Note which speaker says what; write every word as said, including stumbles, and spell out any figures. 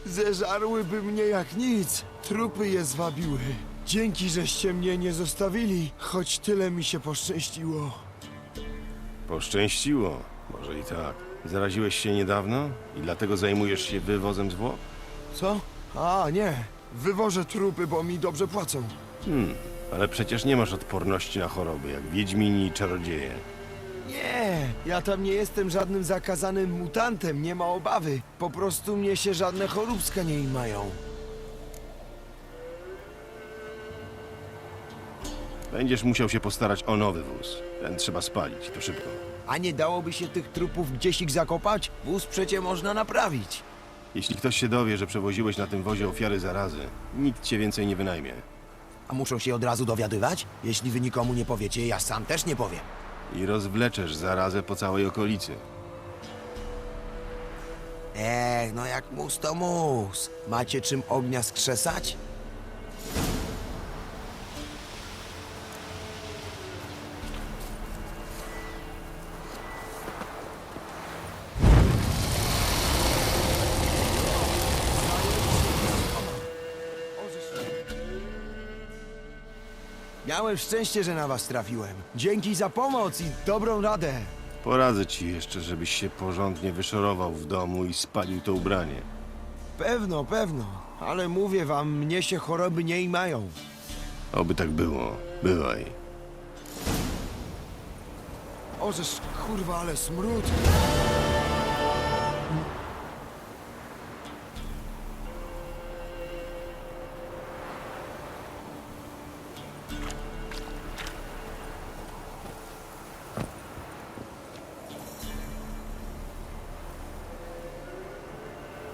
Speaker 1: Zeżarłyby mnie jak nic. Trupy je zwabiły. Dzięki, żeście mnie nie zostawili, choć tyle mi się poszczęściło.
Speaker 2: Poszczęściło. Może i tak. Zaraziłeś się niedawno i dlatego zajmujesz się wywozem zwłok?
Speaker 1: Co? A, nie. Wywożę trupy, bo mi dobrze płacą.
Speaker 2: Hmm, ale przecież nie masz odporności na choroby, jak wiedźmini i czarodzieje.
Speaker 1: Nie, ja tam nie jestem żadnym zakazanym mutantem, nie ma obawy. Po prostu mnie się żadne choróbska nie imają.
Speaker 2: Będziesz musiał się postarać o nowy wóz. Ten trzeba spalić, to szybko.
Speaker 1: A nie dałoby się tych trupów gdzieś ich zakopać? Wóz przecie można naprawić.
Speaker 2: Jeśli ktoś się dowie, że przewoziłeś na tym wozie ofiary zarazy, nikt cię więcej nie wynajmie.
Speaker 1: A muszą się od razu dowiadywać? Jeśli wy nikomu nie powiecie, ja sam też nie powiem.
Speaker 2: I rozwleczesz zarazę po całej okolicy.
Speaker 1: Ech, no jak mus to mus. Macie czym ognia skrzesać? Miałem szczęście, że na was trafiłem. Dzięki za pomoc i dobrą radę.
Speaker 2: Poradzę ci jeszcze, żebyś się porządnie wyszorował w domu i spalił to ubranie.
Speaker 1: Pewno, pewno. Ale mówię wam, mnie się choroby nie imają.
Speaker 2: Oby tak było. Bywaj.
Speaker 1: Ożeż, kurwa, ale smród.